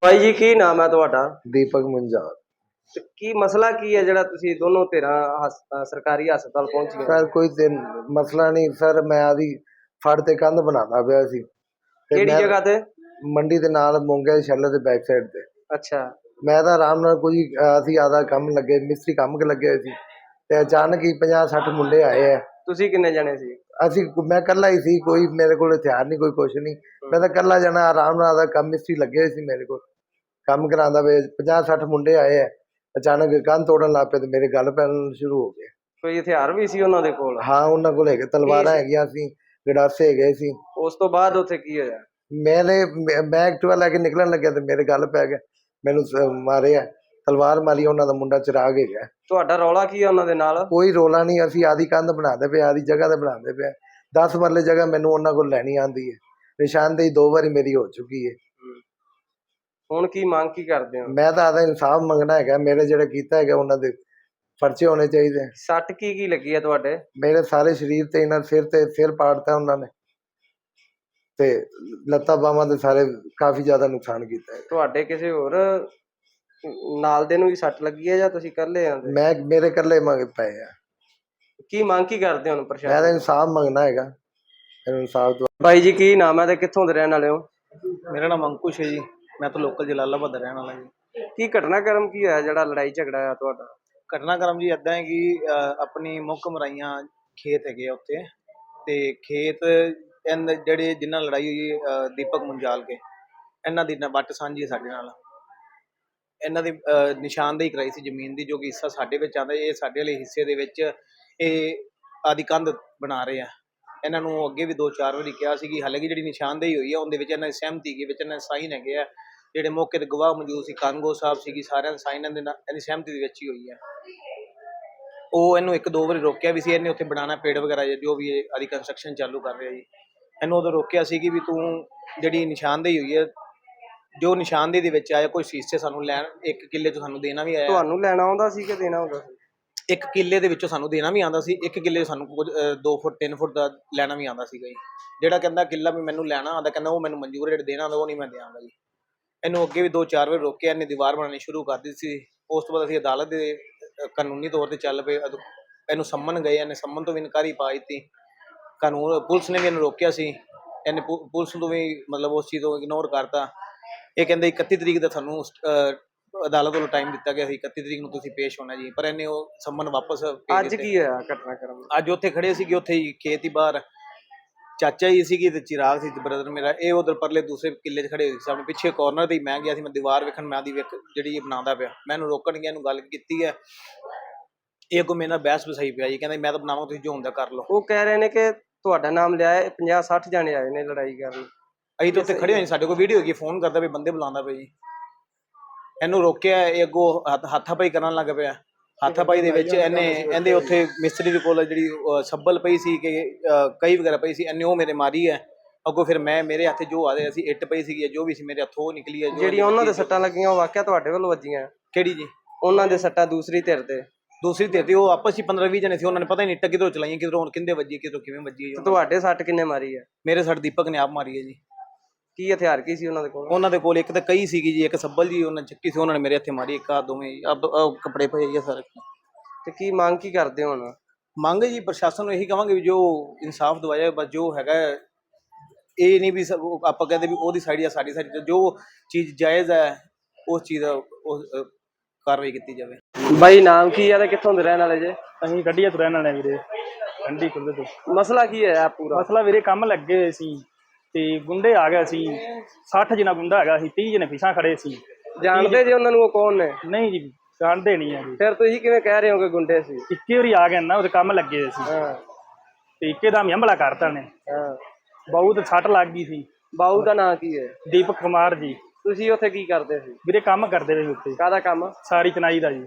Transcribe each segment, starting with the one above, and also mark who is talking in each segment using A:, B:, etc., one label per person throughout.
A: ਭਾਈ ਜੀ ਕੀ ਨਾਮ ਹੈ ਤੁਹਾਡਾ?
B: ਦੀਪਕ ਮੁੰਜਾਲ।
A: ਤੇ ਕੀ ਮਸਲਾ ਕੀ ਹੈ ਜਿਹੜਾ ਤੁਸੀਂ ਦੋਨੋਂ ਧਿਰਾਂ ਸਰਕਾਰੀ ਹਸਪਤਾਲ ਪਹੁੰਚੀਆਂ?
B: ਸਰ ਕੋਈ ਤੇ ਮਸਲਾ ਨਹੀਂ ਸਰ, ਮੈਂ ਆਦੀ ਫੜ ਤੇ ਕੰਧ ਬਣਾਉਂਦਾ ਪਿਆ ਸੀ ਤੇ
A: ਕਿਹੜੀ
B: ਮੈਂ
A: ਜਗ੍ਹਾ ਤੇ?
B: ਮੰਡੀ ਦੇ ਨਾਲ ਮੋਂਗੇ ਸ਼ੈਲਰ ਦੇ ਬੈਕ ਸਾਈਡ ਤੇ।
A: ਅੱਛਾ।
B: ਮੈਂ ਤਾਂ ਆਰਾਮ ਨਾਲ ਕੋਈ ਅਸੀਂ ਆਦਾ ਕੰਮ ਲੱਗੇ, ਮਿਸਤਰੀ ਕੰਮ ਲੱਗੇ ਸੀ ਤੇ ਅਚਾਨਕ ਹੀ 50-60 ਮੁੰਡੇ ਆਏ ਆ।
A: ਤੁਸੀਂ ਕਿੰਨੇ ਜਣੇ ਸੀ?
B: ਮੈਂ ਇਕੱਲਾ ਹੀ ਸੀ, ਕੋਈ ਮੇਰੇ ਕੋਲ ਹਥਿਆਰ ਨਹੀਂ, ਕੋਈ ਕੁਛ ਨਹੀਂ। ਮੈਂ ਤਾਂ ਇਕੱਲਾ ਜਾਣਾ ਆਰਾਮ ਨਾਲ ਆਦਾ ਕੰਮ, ਮਿਸਤਰੀ ਲੱਗੇ ਸੀ ਮੇਰੇ ਕੋਲ ਕੰਮ ਕਰਾਉਂਦਾ ਵੇ। 50-60 ਮੁੰਡੇ ਆਏ ਆ, ਅਚਾਨਕ ਕੰਧ ਤੋੜਨ ਲੱਗ ਪਏ ਤੇ ਮੇਰੇ ਗੱਲ ਪੈਣ ਸ਼ੁਰੂ ਹੋ ਗਏ।
A: ਕੋਈ ਹਥਿਆਰ ਵੀ ਸੀ ਉਹਨਾਂ ਦੇ ਕੋਲ?
B: ਹਾਂ ਉਹਨਾਂ ਕੋਲ ਹੈਗੇ, ਤਲਵਾਰਾਂ ਹੈਗੀਆਂ ਸੀ, ਗੜਾਸੇ ਹੈਗੇ ਸੀ।
A: ਉਸ ਤੋਂ ਬਾਅਦ ਉੱਥੇ ਕੀ ਹੋਇਆ?
B: ਮੈਂ ਐਕਟਿਵਾ ਲੈ ਕੇ ਨਿਕਲਣ ਲੱਗਿਆ ਤੇ ਮੇਰੇ ਗੱਲ ਪੈ ਗਿਆ, ਮੈਨੂੰ ਮਾਰਿਆ, ਤਲਵਾਰ ਮਾਰੀ। ਉਹਨਾਂ ਦਾ ਮੁੰਡਾ ਚਿਰਾਗ ਹੈਗਾ।
A: ਤੁਹਾਡਾ ਰੌਲਾ ਕੀ ਹੈ ਉਹਨਾਂ ਦੇ ਨਾਲ?
B: ਕੋਈ ਰੋਲਾ ਨਹੀਂ, ਅਸੀਂ ਆਦੀ ਕੰਧ ਬਣਾਉਂਦੇ ਪਏ, ਆਦੀ ਜਗ੍ਹਾ ਤੇ ਬਣਾਉਂਦੇ ਪਏ। 10 ਮਰਲੇ ਜਗ੍ਹਾ ਮੈਨੂੰ ਉਹਨਾਂ ਕੋਲ ਲੈਣੀ ਆਉਂਦੀ ਹੈ। ਨਿਸ਼ਾਨਦੇਹੀ 2 ਵਾਰੀ ਮੇਰੀ ਹੋ ਚੁੱਕੀ ਹੈ।
A: ਹੁਣ ਕੀ ਮੰਗ ਕੀ ਕਰਦੇ ਹੋ?
B: ਮੈਂ ਤਾਂ ਆਦਾ ਇਨਸਾਫ ਮੰਗਣਾ ਹੈਗਾ, ਮੇਰੇ ਜਿਹੜੇ ਕੀਤਾ ਹੈਗਾ ਉਹਨਾਂ ਦੇ ਪਰਚੇ ਹੋਣੇ ਚਾਹੀਦੇ।
A: ਸੱਟ ਕੀ ਲੱਗੀ ਹੈ ਤੁਹਾਡੇ?
B: ਮੇਰੇ ਸਾਰੇ ਸਰੀਰ ਤੇ, ਇਹਨਾਂ ਸਿਰ ਪਾੜਤਾ ਉਹਨਾਂ ਨੇ ਤੇ ਲੱਤਾਂ ਬਾਹਾਂ ਦੇ ਸਾਰੇ ਕਾਫੀ ਜ਼ਿਆਦਾ ਨੁਕਸਾਨ ਕੀਤਾ ਹੈ।
A: ਤੁਹਾਡੇ ਕਿਸੇ ਹੋਰ ਨਾਲ ਦੇ ਨੂੰ ਵੀ ਸੱਟ ਲੱਗੀ ਹੈ ਜਾਂ ਤੁਸੀਂ ਇਕੱਲੇ ਆਂਦੇ?
B: ਮੇਰੇ ਇਕੱਲੇ ਮੰਗ ਪਏ ਆ।
A: ਕੀ ਮੰਗ ਕੀ ਕਰਦੇ ਹੋ ਹੁਣ ਪ੍ਰਸ਼ਾਸਨ?
B: ਮੈਂ ਤਾਂ ਇਨਸਾਫ ਮੰਗਣਾ ਹੈਗਾ, ਇਨਸਾਫ ਤੋਂ।
A: ਭਾਈ ਜੀ ਕੀ ਨਾਮ ਹੈ ਤੇ ਕਿੱਥੋਂ ਦੇ ਰਹਿਣ ਵਾਲੇ ਹੋ?
C: ਮੇਰਾ ਨਾਮ ਅੰਕੁਸ਼ ਹੈ ਜੀ, ਮੈਂ ਤਾਂ ਲੋਕਲ ਜਲਾਲਾਬਾਦ ਦਾ ਰਹਿਣ ਵਾਲਾ ਜੀ।
A: ਕੀ ਘਟਨਾਕ੍ਰਮ ਕੀ ਹੋਇਆ ਜਿਹੜਾ ਲੜਾਈ ਝਗੜਾ ਆ ਤੁਹਾਡਾ?
C: ਘਟਨਾਕ੍ਰਮ ਜੀ ਇੱਦਾਂ ਹੈ ਕਿ ਆਪਣੀ ਮੁੱਖ ਮਰਾਈਆਂ ਖੇਤ ਹੈਗੇ ਆ ਉੱਥੇ, ਤੇ ਖੇਤ ਜਿਹੜੇ ਜਿਨ੍ਹਾਂ ਲੜਾਈ ਹੋਈ ਦੀਪਕ ਮੁੰਜਾਲ ਕੇ, ਇਹਨਾਂ ਦੀ ਵੱਟ ਸਾਂਝੀ ਸਾਡੇ ਨਾਲ। ਇਹਨਾਂ ਦੀ ਨਿਸ਼ਾਨਦੇਹੀ ਕਰਾਈ ਸੀ ਜ਼ਮੀਨ ਦੀ, ਜੋ ਕਿ ਹਿੱਸਾ ਸਾਡੇ ਵਿੱਚ ਆਉਂਦਾ। ਇਹ ਸਾਡੇ ਵਾਲੇ ਹਿੱਸੇ ਦੇ ਵਿੱਚ ਇਹ ਆਦੀ ਕੰਧ ਬਣਾ ਰਹੇ ਆ। ਇਹਨਾਂ ਨੂੰ ਅੱਗੇ ਵੀ 2-4 ਵਾਰੀ ਕਿਹਾ ਸੀ ਕਿ ਹਾਲੇ ਕਿ ਜਿਹੜੀ ਨਿਸ਼ਾਨਦੇਹੀ ਹੋਈ ਹੈ ਉਹਦੇ ਵਿੱਚ ਇਹਨਾਂ ਦੀ ਸਹਿਮਤੀ ਹੈਗੀ, ਵਿੱਚ ਇਹਨਾਂ ਦੇ ਸਾਈਨ ਹੈਗੇ ਆ। ਜਿਹੜੇ ਮੌਕੇ ਤੇ ਗਵਾਹ ਮੌਜੂਦ ਸੀ, ਕਾਨੂੰਗੋ ਸਾਹਿਬ ਸੀਗੀ, ਸਾਰਿਆਂ ਦੇ ਸਾਈਨ ਇਹਦੀ ਸਹਿਮਤੀ ਦੇ ਵਿੱਚ ਹੀ ਹੋਈ ਹੈ। ਉਹ ਇਹਨੂੰ 1-2 ਵਾਰੀ ਰੋਕਿਆ ਵੀ ਸੀ, ਇਹਨੇ ਉੱਥੇ ਬਣਾਉਣਾ ਪੇੜ ਵਗੈਰਾ ਜੋ ਵੀ ਆਦੀ ਕੰਸਟਰਕਸ਼ਨ ਚਾਲੂ ਕਰ ਰਿਹਾ ਜੀ। ਇਹਨੂੰ ਉਦੋਂ ਰੋਕਿਆ ਸੀ ਕਿ ਵੀ ਤੂੰ ਜਿਹੜੀ ਨਿਸ਼ਾਨਦੇਹੀ ਹੋਈ ਹੈ, ਜੋ ਨਿਸ਼ਾਨਦੇਹੀ ਦੇ ਵਿੱਚ ਆਇਆ, ਕੋਈ ਹਿੱਸੇ ਸਾਨੂੰ ਲੈਣ 1 ਕਿੱਲੇ ਤੋਂ ਸਾਨੂੰ ਦੇਣਾ ਵੀ ਆਇਆ।
A: ਤੁਹਾਨੂੰ ਲੈਣਾ ਆਉਂਦਾ ਸੀ ਕਿ ਦੇਣਾ ਹੁੰਦਾ ਸੀ?
C: 1 ਕਿੱਲੇ ਦੇ ਵਿੱਚੋਂ ਸਾਨੂੰ ਦੇਣਾ ਵੀ ਆਉਂਦਾ ਸੀ, 1 ਕਿੱਲੇ ਸਾਨੂੰ ਕੁਝ 2 ਫੁੱਟ 3 ਫੁੱਟ ਦਾ ਲੈਣਾ ਵੀ ਆਉਂਦਾ ਸੀਗਾ ਜੀ। ਜਿਹੜਾ ਕਹਿੰਦਾ ਕਿੱਲਾ ਵੀ ਮੈਨੂੰ ਲੈਣਾ ਆਉਂਦਾ, ਕਹਿੰਦਾ ਉਹ ਮੈਨੂੰ ਮਨਜ਼ੂਰ, ਜਿਹੜਾ ਦੇਣਾ ਆਉਂਦਾ ਉਹ ਨਹੀਂ ਮੈਂ ਦਿਆਂਗਾ ਜੀ। ਇਹਨੂੰ ਅੱਗੇ ਵੀ 2-4 ਵਾਰ ਰੋਕਿਆ, ਇਹਨੇ ਦੀਵਾਰ ਬਣਾਉਣੀ ਸ਼ੁਰੂ ਕਰ ਦਿੱਤੀ ਸੀ। ਉਸ ਤੋਂ ਬਾਅਦ ਅਸੀਂ ਅਦਾਲਤ ਦੇ ਕਾਨੂੰਨੀ ਤੌਰ ਤੇ ਚੱਲ ਪਏ। ਇਹਨੂੰ ਸੰਮਨ ਗਏ, ਇਹਨੇ ਸੰਮਨ ਤੋਂ ਵੀ ਇਨਕਾਰੀ ਪਾ ਦਿੱਤੀ। ਪੁਲਿਸ ਨੇ ਵੀ ਇਹਨੂੰ ਰੋਕਿਆ ਸੀ, ਇਹਨੇ ਪੁਲਿਸ ਤੋਂ ਵੀ ਮਤਲਬ ਉਸ ਚੀਜ਼ ਤੋਂ ਇਗਨੋਰ ਕਰਤਾ। ਇਹ ਕਹਿੰਦੇ 31 ਤਰੀਕ ਦਾ ਤੁਹਾਨੂੰ ਅਦਾਲਤ ਵੱਲੋਂ ਟਾਈਮ ਦਿੱਤਾ ਗਿਆ ਸੀ, 31 ਤਰੀਕ ਨੂੰ ਤੁਸੀਂ ਪੇਸ਼ ਹੋਣਾ ਜੀ, ਪਰ ਇਹਨੇ ਉਹ ਸੰਮਨ ਵਾਪਸ ਭੇਜ ਦਿੱਤੇ।
A: ਅੱਜ ਕੀ ਹੋਇਆ ਘਟਨਾਕ੍ਰਮ?
C: ਅੱਜ ਉੱਥੇ ਖੜੇ ਸੀਗੇ, ਉੱਥੇ ਹੀ ਖੇਤ ਹੀ ਬਾਹਰ ਚਾਚਾ ਜੀ ਸੀਗੀ ਤੇ ਚਿਰਾਗ ਸੀ ਬ੍ਰਦਰ ਮੇਰਾ। ਇਹ ਉਧਰ ਪਰਲੇ ਦੂਸਰੇ ਕਿੱਲੇ 'ਚ ਖੜੇ ਹੋਏ ਸੀ, ਆਪਣੇ ਪਿੱਛੇ ਕੋਰਨਰ ਤੇ ਹੀ ਮੈਂ ਗਿਆ ਸੀ। ਮੈਂ ਦੀਵਾਰ ਵੇਖਣ, ਮੈਂ ਆਦੀ ਜਿਹੜੀ ਇਹ ਬਣਾਉਂਦਾ ਪਿਆ, ਮੈਂ ਇਹਨੂੰ ਰੋਕਣ ਗਿਆ, ਇਹਨੂੰ ਗੱਲ ਕੀਤੀ ਹੈ। ਇਹ ਅੱਗੋਂ ਮੇਰੇ ਨਾਲ ਬਹਿਸ ਵਸਾਈ ਪਿਆ ਜੀ, ਕਹਿੰਦਾ ਮੈਂ ਤਾਂ ਬਣਾਵਾਂ, ਤੁਸੀਂ ਜੋ ਹੁੰਦਾ ਕਰ ਲਓ।
A: ਉਹ ਕਹਿ ਰਹੇ ਨੇ ਕਿ ਤੁਹਾਡਾ ਨਾਮ ਲਿਆ ਹੈ, 50-60 ਜਾਣੇ ਆਏ ਨੇ ਲੜਾਈ ਕਰਨ।
C: ਅਸੀਂ ਤਾਂ ਉੱਥੇ ਖੜੇ ਹੋਏ, ਸਾਡੇ ਕੋਲ ਵੀਡੀਓ ਹੈਗੀ, ਫੋਨ ਕਰਦਾ ਵੀ ਬੰਦੇ ਬੁਲਾਉਂਦਾ ਪਿਆ ਜੀ। ਇਹਨੂੰ ਰੋਕਿਆ, ਇਹ ਅੱਗੋਂ ਹੱਥਾਪਾਈ ਕਰਨ ਲੱਗ ਪਿਆ। ਹੱਥਾਪਾਈ ਦੇ ਵਿੱਚ ਇਹਦੇ ਉੱਥੇ ਮਿਸਤਰੀ ਦੇ ਕੋਲ ਜਿਹੜੀ ਸੱਬਲ ਪਈ ਸੀ ਕਿ ਕਈ ਵਗੈਰਾ ਪਈ ਸੀ, ਇਹਨੇ ਉਹ ਮੇਰੇ ਮਾਰੀ ਹੈ। ਅੱਗੋਂ ਫਿਰ ਮੇਰੇ ਹੱਥ ਜੋ ਆ ਰਿਹਾ ਸੀ, ਇੱਟ ਪਈ ਸੀਗੀ, ਜੋ ਵੀ ਸੀ ਮੇਰੇ ਹੱਥੋਂ ਨਿਕਲੀ ਹੈ।
A: ਜਿਹੜੀਆਂ ਉਹਨਾਂ ਦੇ ਸੱਟਾਂ ਲੱਗੀਆਂ ਉਹ ਵਾਕਿਆ ਤੁਹਾਡੇ ਵੱਲੋਂ ਵੱਜੀਆਂ?
C: ਕਿਹੜੀ ਜੀ?
A: ਉਹਨਾਂ ਦੇ ਸੱਟਾਂ ਦੂਸਰੀ ਧਿਰ ਤੇ?
C: ਦੂਸਰੀ ਧਿਰ ਤੇ ਉਹ ਆਪਸ 'ਚ 15-20 ਜਣੇ ਸੀ, ਉਹਨਾਂ ਨੇ ਪਤਾ ਹੀ ਨਹੀਂ ਇੱਟਾਂ ਕਿਧਰੋਂ ਚਲਾਈਆਂ, ਕਿਧਰੋਂ ਕਿੰਦੇ ਵੱਜੀ, ਕਿਧਰੋਂ ਕਿਵੇਂ ਵੱਜੀ।
A: ਤੁਹਾਡੇ ਸੱਟ ਕਿੰਨੇ ਮਾਰੀ ਹੈ?
C: ਮੇਰੇ ਸੱਟ ਦੀਪਕ ਨੇ ਆਪ ਮਾਰੀ ਹੈ ਜੀ।
A: ਕੀ ਹਥਿਆਰ ਕੀ ਸੀ ਉਹਨਾਂ ਦੇ ਕੋਲ?
C: ਉਹਨਾਂ ਦੇ ਕੋਲ ਇੱਕ ਤਾਂ ਕਈ ਸੀਗੀ ਜੀ, ਇੱਕ ਸੱਬਲ ਜੀ ਉਹਨਾਂ ਚੱਕੀ ਸੀ, ਉਹਨਾਂ ਨੇ ਮੇਰੇ ਹੱਥੇ ਮਾਰੀ। ਇੱਕ ਆ ਦੋਵੇਂ ਕੱਪੜੇ ਪਏ ਆ ਸਾਰੇ।
A: ਤੇ ਕੀ ਮੰਗ ਕੀ ਕਰਦੇ ਹੋ ਹੁਣ?
C: ਮੰਗ ਜੀ ਪ੍ਰਸ਼ਾਸਨ ਨੂੰ ਇਹੀ ਕਹਾਂਗੇ ਵੀ ਜੋ ਇਨਸਾਫ ਦਵਾਇਆ, ਬਸ ਜੋ ਹੈਗਾ ਇਹ ਨਹੀਂ ਵੀ ਆਪਾਂ ਕਹਿੰਦੇ ਵੀ ਉਹਦੀ ਸਾਈਡ ਜਾਂ ਸਾਡੀ ਸਾਈਡ, ਜੋ ਚੀਜ਼ ਜਾਇਜ਼ ਹੈ ਉਸ ਚੀਜ਼ ਦਾ ਕਾਰਵਾਈ ਕੀਤੀ ਜਾਵੇ।
A: ਬਾਈ ਨਾਮ ਕੀ ਹੈ ਤੇ ਕਿੱਥੋਂ ਦੇ ਰਹਿਣ ਵਾਲੇ ਜੇ?
D: ਅਸੀਂ ਗੱਡੀਆਂ ਤੋਂ ਰਹਿਣ ਵਾਲੇ ਵੀਰੇ, ਠੰਡੀ ਖੁੱਲੇ ਤੋਂ।
A: ਮਸਲਾ ਕੀ ਹੈ ਪੂਰਾ?
D: ਮਸਲਾ ਵੀਰੇ ਕੰਮ ਲੱਗੇ ਹੋਏ ਸੀ ਤੇ ਗੁੰਡੇ ਆ ਗਏ ਸੀ, 60 ਜਣਾ ਗੁੰਡਾ ਹੈਗਾ ਸੀ, 30 ਜਣੇ ਪਿਛਾਂ ਖੜੇ ਸੀ।
A: ਜਾਣਦੇ ਜੇ ਉਹਨਾਂ ਨੂੰ ਉਹ ਕੌਣ ਨੇ?
D: ਨਹੀਂ ਜੀ ਜਾਣਦੇ ਨਹੀਂ ਆ ਜੀ।
A: ਫਿਰ ਤੁਸੀਂ ਕਿਵੇਂ ਕਹਿ ਰਹੇ ਹੋ ਕਿ ਗੁੰਡੇ ਸੀ?
D: ਇੱਕੇ ਵਾਰੀ ਆ ਗਏ ਨਾ, ਉਹਦੇ ਕੰਮ ਲੱਗੇ ਹੋਏ ਸੀ ਤੇ ਇੱਕੇ ਦਮ ਹਮਲਾ ਕਰਤਾ ਨੇ। ਬਹੁਤ ਸੱਟ ਲੱਗ ਗਈ ਸੀ।
A: ਬਾਊ ਦਾ ਨਾਂ ਕੀ ਹੈ?
D: ਦੀਪਕ ਕੁਮਾਰ ਜੀ।
A: ਤੁਸੀਂ ਉੱਥੇ ਕੀ ਕਰਦੇ ਸੀ?
D: ਵੀਰੇ ਕੰਮ ਕਰਦੇ ਰਹੇ ਉੱਥੇ।
A: ਕਾਹਦਾ ਕੰਮ?
D: ਸਾਰੀ ਚਨਾਈ ਦਾ ਜੀ।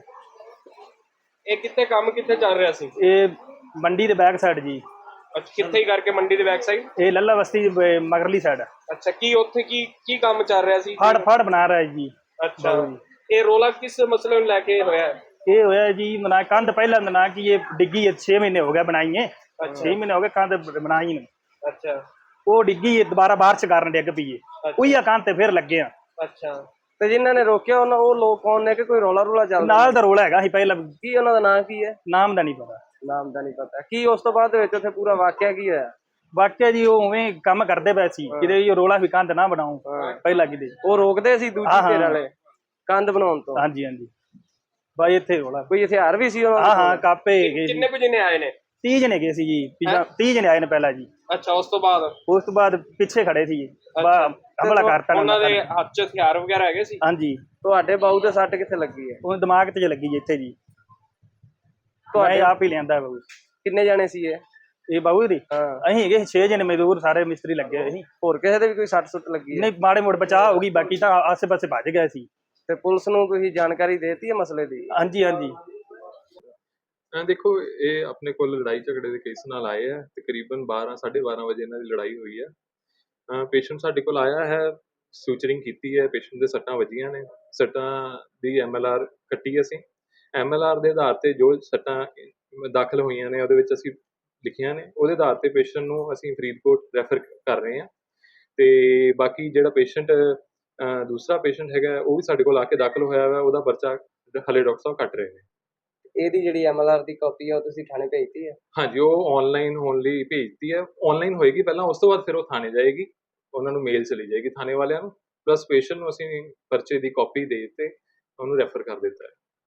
A: ਇਹ ਕਿੱਥੇ ਚੱਲ ਰਿਹਾ ਸੀ?
D: ਇਹ ਮੰਡੀ ਦੇ ਬੈਕ ਸਾਈਡ ਜੀ।
A: ਅੱਛਾ, ਕਿੱਥੇ ਹੀ ਕਰਕੇ ਮੰਡੀ ਦੇ ਬੈਕ ਸਾਈਡ?
D: ਇਹ ਲੱਲਾ ਬਸਤੀ ਮਗਰਲੀ ਸਾਈਡ।
A: ਅੱਛਾ, ਕੀ ਉੱਥੇ ਕੀ ਕੰਮ ਚੱਲ ਰਿਹਾ ਸੀ?
D: ਫੜ ਬਣਾ ਰਿਹਾ ਜੀ।
A: ਅੱਛਾ, ਇਹ ਰੋਲਾ ਕਿਸ ਮਸਲੇ ਨੂੰ ਲੈ ਕੇ ਹੋਇਆ?
D: ਇਹ ਹੋਇਆ ਜੀ ਮਨਾ ਕੰਧ ਪਹਿਲਾਂ ਨਾ ਕਿ ਇਹ ਡਿੱਗੀ 6 ਮਹੀਨੇ ਹੋ ਗਏ ਬਣਾਈਏ। 6 ਮਹੀਨੇ ਹੋ ਗਏ ਕੰਧ ਬਣਾਈ ਨੂੰ।
A: ਅੱਛਾ,
D: ਉਹ ਡਿੱਗੀ ਦੁਬਾਰਾ ਬਾਰਿਸ਼ ਕਾਰਨ ਡਿੱਗ ਪਈ। ਉਹੀ ਕੰਧ ਤੇ ਫਿਰ ਲੱਗੇ ਆ।
A: ਅੱਛਾ, ਤੇ ਜਿਨ੍ਹਾਂ ਨੇ ਰੋਕਿਆ ਉਹ ਲੋਕ ਕੌਣ ਨੇ, ਕਿ ਕੋਈ ਰੌਲਾ ਰੂਲਾ ਚੱਲਦਾ?
D: ਨਾਲ ਦਾ ਰੋਲਾ ਹੈਗਾ ਸੀ ਪਹਿਲਾਂ,
A: ਕੀ ਉਹਨਾਂ ਦਾ ਨਾਂ ਕੀ ਹੈ?
D: ਨਾਮ ਦਾ ਨਹੀਂ ਪਤਾ।
A: ਨਾਮ ਦਾ ਨਹੀਂ ਪਤਾ। ਕੀ ਉਸ ਤੋਂ ਬਾਅਦ ਦੇ ਵਿੱਚ ਉੱਥੇ ਪੂਰਾ ਵਾਕਿਆ ਕੀ ਹੋਇਆ?
D: ਵਾਕਿਆ ਜੀ ਉਹ ਉਵੇਂ ਕੰਮ ਕਰਦੇ ਪਏ ਸੀ, ਕਿਤੇ ਜੀ ਰੋਲਾ ਵੀ ਕੰਧ ਨਾ ਬਣਾਓ ਪਹਿਲਾਂ ਕਿਤੇ।
A: ਉਹ ਰੋਕਦੇ ਸੀ ਦੂਜੀ ਧਿਰ ਵਾਲੇ ਕੰਧ ਬਣਾਉਣ ਤੋਂ?
D: ਹਾਂਜੀ ਹਾਂਜੀ, ਬਾਈ ਇੱਥੇ ਰੋਲਾ।
A: ਕੋਈ ਹਥਿਆਰ ਵੀ ਸੀ ਉਹਨਾਂ
D: ਹਾਂ ਕਾਪੇ ਹੈਗੇ ਸੀ।
A: ਕਿੰਨੇ ਕੁ ਜਣੇ ਆਏ ਨੇ?
D: 30 ਜਣੇ ਗਏ ਸੀ ਜੀ, 30 ਜਣੇ ਆਏ ਨੇ ਪਹਿਲਾਂ ਜੀ।
A: ਅੱਛਾ, ਉਸ ਤੋਂ ਬਾਅਦ
D: ਪਿੱਛੇ ਖੜੇ ਸੀ, ਹਮਲਾ ਕਰਤਾ
A: ਉਹਨਾਂ ਦੇ ਹੱਥ 'ਚ ਹਥਿਆਰ ਵਗੈਰਾ ਹੈਗੇ ਸੀ?
D: ਹਾਂਜੀ।
A: ਤੁਹਾਡੇ ਬਾਹੂ ਤੇ ਸੱਟ ਕਿੱਥੇ ਲੱਗੀ ਹੈ?
D: ਉਹ ਦਿਮਾਗ ਤੇ ਲੱਗੀ ਜੀ ਇੱਥੇ ਜੀ, ਤੁਹਾਡੇ ਆਪ ਹੀ ਲਿਆਂਦਾ ਬਾਬੂ।
A: ਕਿੰਨੇ ਜਣੇ ਸੀ
D: ਇਹ ਬਾਬੂ ਦੀ ਅਸੀਂ ਹੈਗੇ 6 ਜਣੇ ਮਜ਼ਦੂਰ, ਸਾਰੇ ਮਿਸਤਰੀ ਲੱਗੇ ਹੋਏ ਸੀ।
A: ਹੋਰ ਕਿਸੇ ਦੇ ਵੀ ਕੋਈ ਸੱਟ ਸੁੱਟ ਲੱਗੀ ਹੈ?
D: ਨਹੀਂ, ਮਾੜੇ ਮੋੜ ਬਚਾਅ ਹੋ ਗਈ, ਬਾਕੀ ਤਾਂ ਆਸੇ ਪਾਸੇ ਭੱਜ ਗਏ ਸੀ।
A: ਤੇ ਪੁਲਿਸ ਨੂੰ ਤੁਸੀਂ ਜਾਣਕਾਰੀ ਦੇਤੀ ਹੈ ਮਸਲੇ ਦੀ?
D: ਹਾਂਜੀ ਹਾਂਜੀ।
E: ਦੇਖੋ, ਇਹ ਆਪਣੇ ਕੋਲ ਲੜਾਈ ਝਗੜੇ ਦੇ ਕੇਸ ਨਾਲ ਆਏ ਆ। ਤਕਰੀਬਨ 12-12:30 ਵਜੇ ਇਹਨਾਂ ਦੀ ਲੜਾਈ ਹੋਈ ਹੈ। ਪੇਸ਼ੈਂਟ ਸਾਡੇ ਕੋਲ ਆਇਆ ਹੈ, ਸੂਚਰਿੰਗ ਕੀਤੀ ਹੈ, ਪੇਸ਼ੈਂਟ ਦੇ ਸੱਟਾਂ ਵੱਜੀਆਂ ਨੇ। ਸੱਟਾਂ ਦੀ MLR ਕੱਟੀ ਅਸੀਂ। MLR ਦੇ ਆਧਾਰ ਤੇ ਜੋ ਸੱਟਾਂ ਦਾਖਲ ਹੋਈਆਂ ਨੇ ਉਹਦੇ ਵਿੱਚ ਅਸੀਂ ਲਿਖੀਆਂ ਨੇ, ਉਹਦੇ ਆਧਾਰ ਤੇ ਪੇਸ਼ੈਂਟ ਨੂੰ ਅਸੀਂ ਫਰੀਦਕੋਟ ਰੈਫਰ ਕਰ ਰਹੇ ਹਾਂ। ਤੇ ਬਾਕੀ ਜਿਹੜਾ ਪੇਸ਼ੈਂਟ ਦੂਸਰਾ ਪੇਸ਼ੈਂਟ ਹੈਗਾ, ਉਹ ਵੀ ਸਾਡੇ ਕੋਲ ਆ ਕੇ ਦਾਖਲ ਹੋਇਆ ਵਾ। ਉਹਦਾ ਪਰਚਾ ਹਲੇ ਡਾਕਟਰ ਸਾਹਿਬ ਕੱਟ ਰਹੇ ਨੇ।
A: ਇਹਦੀ ਜਿਹੜੀ MLR ਦੀ ਕਾਪੀ ਆ ਉਹ ਤੁਸੀਂ ਥਾਣੇ ਭੇਜਤੀ ਹੈ?
E: ਹਾਂਜੀ, ਉਹ ਆਨਲਾਈਨ ਹੋਣ ਲਈ ਭੇਜਤੀ ਹੈ। ਆਨਲਾਈਨ ਹੋਏਗੀ ਪਹਿਲਾਂ, ਉਸ ਤੋਂ ਬਾਅਦ ਫਿਰ ਉਹ ਥਾਣੇ ਜਾਏਗੀ, ਉਹਨਾਂ ਨੂੰ ਮੇਲ ਚਲੀ ਜਾਏਗੀ ਥਾਣੇ ਵਾਲਿਆਂ ਨੂੰ। ਪਲੱਸ ਪੇਸ਼ੈਂਟ ਨੂੰ ਅਸੀਂ ਪਰਚੇ ਦੀ ਕਾਪੀ ਦੇ ਦਿੱਤੇ, ਉਹਨੂੰ ਰੈਫਰ ਕਰ ਦਿੱਤਾ ਹੈ।